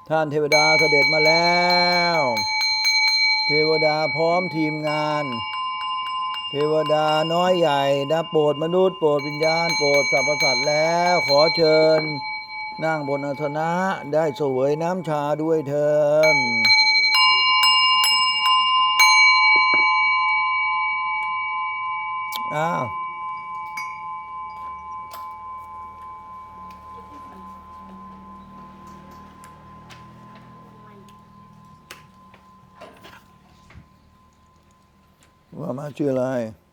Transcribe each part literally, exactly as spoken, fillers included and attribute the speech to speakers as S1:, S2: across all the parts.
S1: ท่านเทวดาเสด็จมาแล้ว เทวดาพร้อมทีมงาน เทวดาน้อยใหญ่นะโปรดมนุษย์โปรดวิญญาณโปรดสรรพสัตว์แล้วขอเชิญนั่งบนอาสนะได้เสวยน้ำชาด้วยเถิดอ้าวว่ามาชื่ออะไร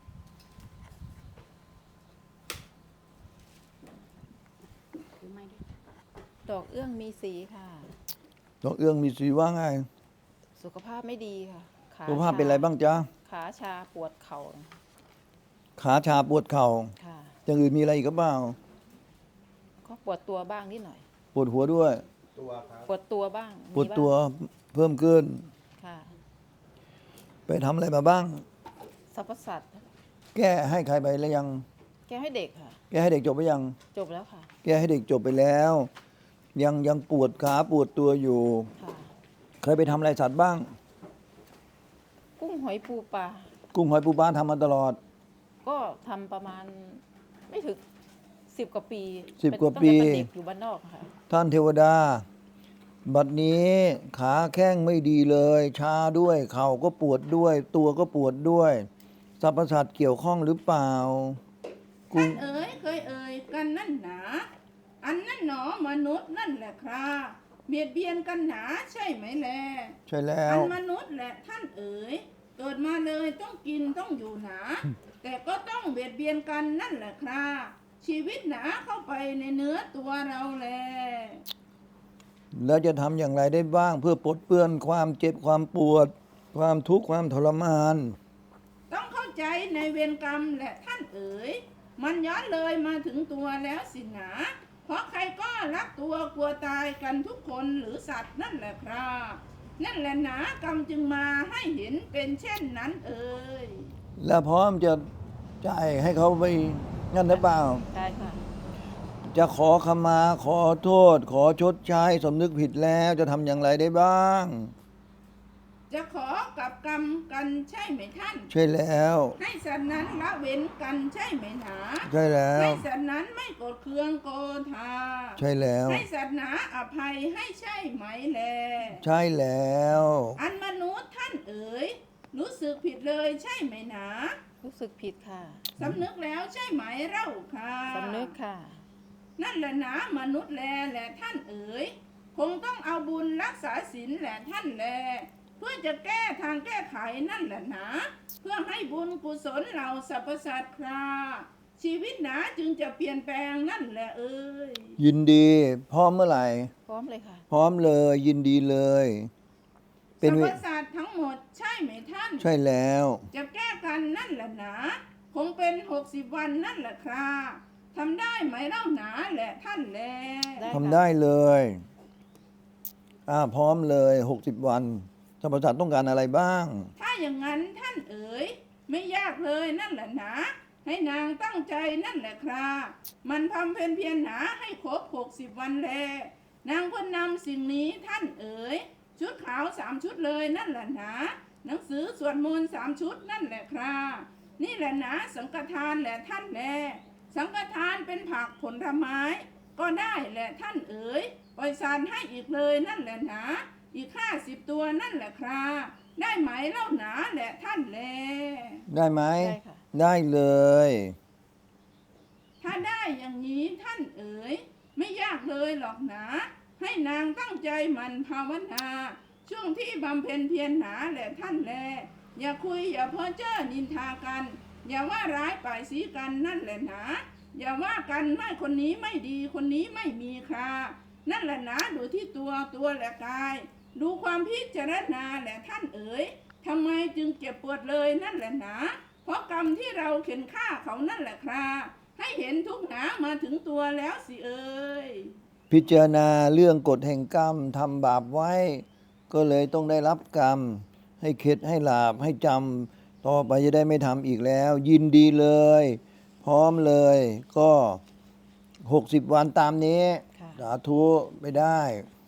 S2: ดอกเอื้องมีสีค่ะ
S1: ดอกเอื้องมีสีว่าไง
S2: สุขภาพไม่ดีค่ะขา
S1: สุขภาพเป็นอะไรบ้างจ๊ะ
S2: ขาชาปวดเข่า
S1: ขาชาปวดเข่า
S2: ค่ะ
S1: อย่างอื่นมีอะไรอีกหรือเปล่า
S2: ก็ปวดตัวบ้างนิดหน่อย
S1: ปวดหัวด้วย
S2: ปวดตัวบ้าง
S1: ปวดตัวเพิ่มขึ้น
S2: ค่ะ
S1: ไปทำอะไรมาบ้าง
S2: สรรพสัตว์
S1: แก้ให้ใครไปแล้วยัง
S2: แก้ให้เด็กค่ะ
S1: แก้ให้เด็กจบไปยัง
S2: จบแล้วค่ะ
S1: แก้ให้เด็กจบไปแล้วยังยังปวดขาปวดตัวอยู่
S2: ค่ะ
S1: เคยไปทำอะไรสัตว์บ้าง
S2: กุ้งหอยปูปลา
S1: กุ้งหอยปูปลาทำมาตลอด
S2: ก็ทำประมาณไม่ถึงสิบกว่าปี
S1: สิบกว่าปี
S2: ตั้งแต่เป็นเด็กอยู่บ้านนอกค่ะ
S1: ท่านเทวดาบัดนี้ขาแข้งไม่ดีเลยชาด้วยเข่าก็ปวดด้วยตัวก็ปวดด้วยสรรพสัตว์เกี่ยวข้องหรือเปล่า
S3: ท่านเอ๋ยเคยเอ่ยกันนั่นหนาอันนั่นหนอมนุษย์นั่นแหละครับเบียดเบียนกันหนาใช่ไหมแล
S1: ใช่แล้ว
S3: อันมนุษย์แหละท่านเอ๋ยเกิดมาเลยต้องกินต้องอยู่หนาแต่ก็ต้องเบียดเบียนกันนั่นแหละครับชีวิตหนาเข้าไปในเนื้อตัวเราแล
S1: แล้วจะทำอย่างไรได้บ้างเพื่อปลดเปลื้อนความเจ็บความปวดความทุกข์ความทรมาน
S3: ต้องเข้าใจในเวรกรรมแหละท่านเอ๋ยมันย้อนเลยมาถึงตัวแล้วสินะเพราะใครก็รักตัวกลัวตายกันทุกคนหรือสัตว์นั่นแหละครับนั่นแหละหนากรรมจึงมาให้เห็นเป็นเช่นนั้นเอ่ย
S1: แล้วพร้อมจะจ่ายให้เขาไปงั้นหรือเปล่า
S2: ใช่ค่ะ
S1: จะขอขมาขอโทษขอชดใช้สำนึกผิดแล้วจะทำอย่างไรได้บ้าง
S3: จะขอกับกรรมกันใช่ไหมท่าน
S1: ใช่แล้ว
S3: ให้สัตว์นั้นละเว้นกันใช่ไหมหนา
S1: ใช่แล้ว
S3: ให้สัตว์นั้นไม่โกรธเคืองโกธา
S1: ใช่แล้ว
S3: ให้สัตว์หนาอภัยให้ใช่ไหมแล
S1: ใช่แล้ว
S3: อันมนุษย์ท่านเอ๋ยรู้สึกผิดเลยใช่ไหมหนา
S2: รู้สึกผิดค่ะ
S3: สำนึกแล้วใช่ไหมเล่าค่ะ
S2: สำนึกค่ะ
S3: นั่นแหละหนามนุษย์แลแหละท่านเอ๋ยคงต้องเอาบุญรักษาศีลแหละท่านแลเพื่อจะแก้ทางแก้ไขนั่นแหละหนาเพื่อให้บุญกุศลเราสรรพสัตว์คราชีวิตหนาจึงจะเปลี่ยนแปลงนั่นแหละเอ้ย
S1: ยินดีพร้อมเมื่อไหร่
S2: พร้อมเลยค่ะ
S1: พร้อมเลยยินดีเลย
S3: สรรพสัตว์ทั้งหมดใช่ไหมท่าน
S1: ใช่แล้ว
S3: จะแก้กันนั่นแหละหนาคงเป็นหกสิบวันนั่นแหละคราทำได้ไหมเล่าหนาแหละท่านแล
S1: ทำได้เลยอ่าพร้อมเลยหกสิบวันสรรพสัตว์ต้องการอะไรบ้าง
S3: ถ้าอย่างนั้นท่านเอ๋ยไม่ยากเลยนั่นแหละหนาให้นางตั้งใจนั่นแหละครามันทำเพนเพียรหนาให้ครบหกสิบวันแลนางก็นำสิ่งนี้ท่านเอ๋ยชุดขาวสามชุดเลยนั่นแหละหนาหนังสือสวดมนต์สามชุดนั่นแหละครานี่แหละหนาสังฆทานแหละท่านแลสังฆทานเป็นผักผลไม้ก็ได้แหละท่านเอ๋ยปล่อยสารให้อีกเลยนั่นแหละหนาอีกห้าสิบตัวนั่นแหละคราได้ไหมเล่าหนาแหละท่านแล
S1: ได้ไหม
S2: ได้ค่ะ
S1: ได้เลย
S3: ถ้าได้อย่างนี้ท่านเอ๋ยไม่ยากเลยหรอกหนาให้นางตั้งใจมันภาวนาช่วงที่บำเพ็ญเพียรหนาแหละท่านแลอย่าคุยอย่าเพ้อเจ้อนินทากันอย่าว่าร้ายป่ายสีกันนั่นแหละหนาอย่าว่ากันไม่คนนี้ไม่ดีคนนี้ไม่มีค่านั่นแหละหนาดูที่ตัวตัวและกายดูความพิจารณาแหละท่านเอ๋ยทำไมจึงเจ็บปวดเลยนั่นแหละหนาเพราะกรรมที่เราเข็นฆ่าเขานั่นแหละคราให้เห็นทุกหนามาถึงตัวแล้วสิเอ๋ย
S1: พิจารณาเรื่องกฎแห่งกรรมทำบาปไว้ก็เลยต้องได้รับกรรมให้เข็ดให้หลาบให้จำต่อไปจะได้ไม่ทำอีกแล้วยินดีเลยพร้อมเลยก็หกสิบวันตามนี้สาธุไม่ได้